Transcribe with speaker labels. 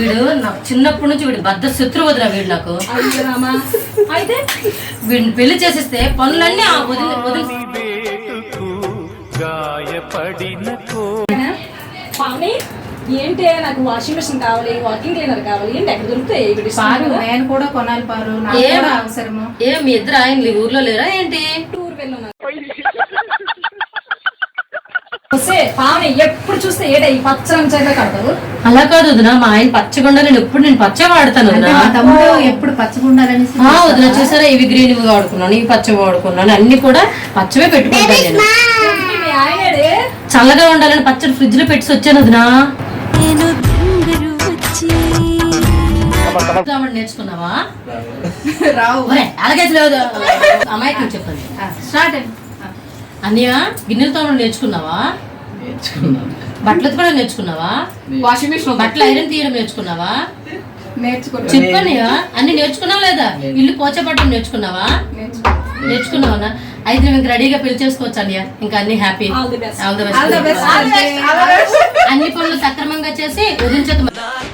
Speaker 1: వీడు నాకు చిన్నప్పటి నుంచి వీడు బద్ద శత్రువు వదిన వీడు నాకు.
Speaker 2: అయితే
Speaker 1: వీడిని పెళ్లి చేసేస్తే పనులన్నీ ఆ వదిన
Speaker 2: పావని ఏంటి నాకు వాషింగ్ మెషిన్ కావాలి, వాకింగ్ క్లీనర్ కావాలి, ఏంటి ఎక్కడ దొరుకుతాయి?
Speaker 3: పారు నేను కూడా కొనాలి పారు, నాకు కూడా అవసరము.
Speaker 1: మీ ఇద్దరు ఆయన ఊర్లో లేరా ఏంటి?
Speaker 2: టూర్ వెళ్ళున్నా పావని ఎప్పుడు చూస్తే ఏట ఈ పచ్చ రంగు కడతావు.
Speaker 1: అలా కాదు వదిన, మా ఆయన పచ్చగుండా నేను పచ్చ వాడతాను వదిన.
Speaker 3: మా తమ్ముడు ఎప్పుడు పచ్చగుండాలని
Speaker 1: వదిన చూసారా, ఇవి గ్రీన్ ఇవి వాడుకున్నాను, ఇవి పచ్చ వాడుకున్నాను, అన్ని కూడా పచ్చవే పెట్టుకుంటాను నేను. చల్లగా ఉండాలని పచ్చడి ఫ్రిడ్జ్ లో పెట్టి వచ్చాను వదిన. నేర్చుకున్నావా?
Speaker 3: రావు
Speaker 1: అలాగే లేదు అమ్మాయికి చెప్పండి.
Speaker 3: స్టార్ట్.
Speaker 1: అన్నయ్య గిన్నెలతో నేర్చుకున్నావా? బట్టలు కూడా నేర్చుకున్నావా?
Speaker 3: వాషింగ్ మెషిన్
Speaker 1: బట్టలు ఐరన్ తీయడం నేర్చుకున్నావా?
Speaker 3: నేర్చుకున్నా.
Speaker 1: అన్ని నేర్చుకున్నావా లేదా? ఇల్లు పోచపట్టడం నేర్చుకున్నావా? నేర్చుకున్నావా? అయితే మేము రెడీగా పెళ్లి చేసుకోవచ్చు అన్నయ్య. ఇంకా అన్ని హ్యాపీ,
Speaker 2: ఆల్ ది బెస్ట్.
Speaker 1: అన్ని పనులు సక్రమంగా చేసి వదిలించక